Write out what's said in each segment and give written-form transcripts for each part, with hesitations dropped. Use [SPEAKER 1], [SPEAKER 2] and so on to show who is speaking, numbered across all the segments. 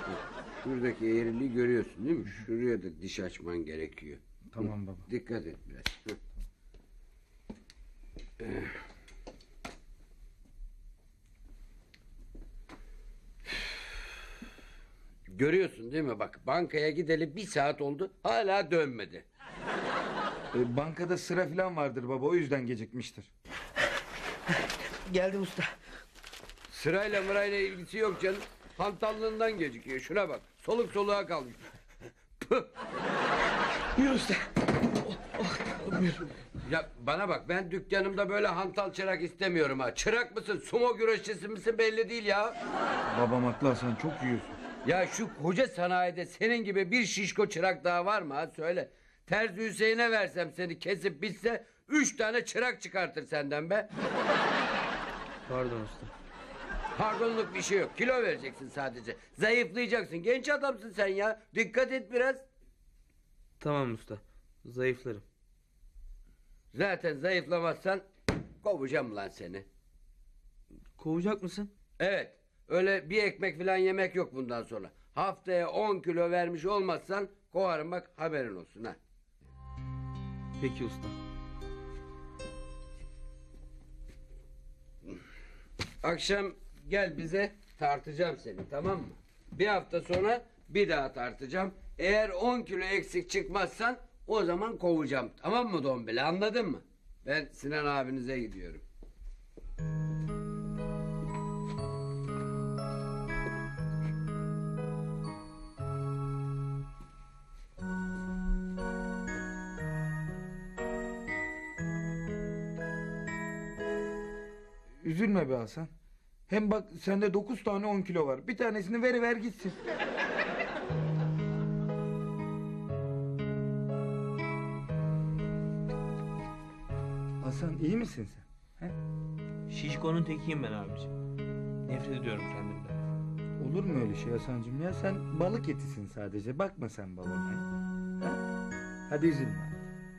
[SPEAKER 1] Şuradaki eğriliği görüyorsun değil mi? Şuraya da diş açman gerekiyor.
[SPEAKER 2] Tamam baba.
[SPEAKER 1] Dikkat et biraz. Görüyorsun değil mi? Bak bankaya gideli 1 saat oldu. Hala dönmedi.
[SPEAKER 2] Bankada sıra falan vardır baba, o yüzden gecikmiştir.
[SPEAKER 3] Geldim usta.
[SPEAKER 1] Sırayla mırayla ilgisi yok canım. Hantallığından gecikiyor. Şuna bak. Soluk soluğa kalmış. Püh!
[SPEAKER 3] Buyur usta.
[SPEAKER 1] Ya bana bak, ben dükkanımda böyle hantal çırak istemiyorum ha. Çırak mısın, sumo güreşçisi misin belli değil ya.
[SPEAKER 2] Babam haklı Hasan, çok yiyorsun.
[SPEAKER 1] Ya şu koca sanayide senin gibi bir şişko çırak daha var mı ha, söyle. Terzi Hüseyin'e versem seni kesip bitse 3 tane çırak çıkartır senden be.
[SPEAKER 3] Pardon usta.
[SPEAKER 1] Pardonluk bir şey yok, kilo vereceksin sadece. Zayıflayacaksın, genç adamsın sen ya. Dikkat et biraz.
[SPEAKER 3] Tamam usta. Zayıflarım.
[SPEAKER 1] Zaten zayıflamazsan kovacağım lan seni.
[SPEAKER 3] Kovacak mısın?
[SPEAKER 1] Evet, öyle bir ekmek falan yemek yok bundan sonra. Haftaya 10 kilo vermiş olmazsan kovarım, bak haberin olsun ha.
[SPEAKER 3] Peki usta.
[SPEAKER 1] Akşam gel bize, tartacağım seni, tamam mı? Bir hafta sonra bir daha tartacağım. Eğer 10 kilo eksik çıkmazsan o zaman kovacağım. Tamam mı Dombili, anladın mı? Ben Sinan abinize gidiyorum.
[SPEAKER 2] Üzülme be Hasan. Hem bak sende 9 tane 10 kilo var. Bir tanesini veriver gitsin. Hasan, iyi misin sen? He?
[SPEAKER 3] Şişkonun tekiyim ben abicim. Nefret ediyorum kendimden.
[SPEAKER 2] Olur mu öyle şey Hasancığım ya? Sen balık etisin sadece. Bakma sen babama. He? Hadi üzülme.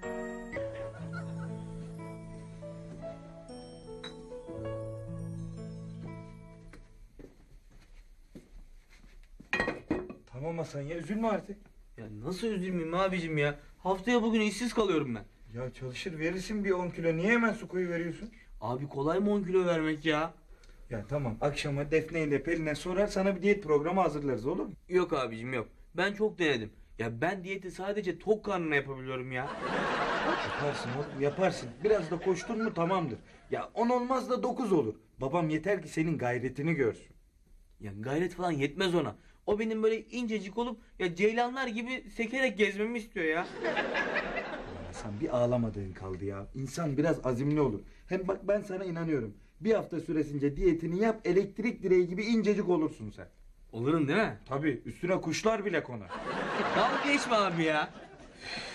[SPEAKER 2] Tamam Hasan ya, üzülme artık.
[SPEAKER 3] Ya nasıl üzülmeyeyim abicim ya? Haftaya bugün işsiz kalıyorum ben.
[SPEAKER 2] Ya çalışır verirsin bir 10 kilo. Niye hemen su koyu veriyorsun?
[SPEAKER 3] Abi kolay mı 10 kilo vermek ya?
[SPEAKER 2] Ya tamam, akşama Defne ile Pelin'e sorar, sana bir diyet programı hazırlarız, olur mu?
[SPEAKER 3] Yok abicim yok. Ben çok denedim. Ya ben diyeti sadece tok karnına yapabiliyorum ya.
[SPEAKER 2] Yaparsın oğlum, yaparsın. Biraz da koştun mu tamamdır. Ya 10 olmaz da 9 olur. Babam yeter ki senin gayretini görsün.
[SPEAKER 3] Ya gayret falan yetmez ona. O benim böyle incecik olup ya ceylanlar gibi sekerek gezmemi istiyor ya.
[SPEAKER 2] Hasan, bir ağlamadığın kaldı ya. İnsan biraz azimli olur. Hem bak, ben sana inanıyorum. Bir hafta süresince diyetini yap, elektrik direği gibi incecik olursun sen.
[SPEAKER 3] Olurum değil mi?
[SPEAKER 2] Tabii, üstüne kuşlar bile konar.
[SPEAKER 3] Dalga geçme abi ya.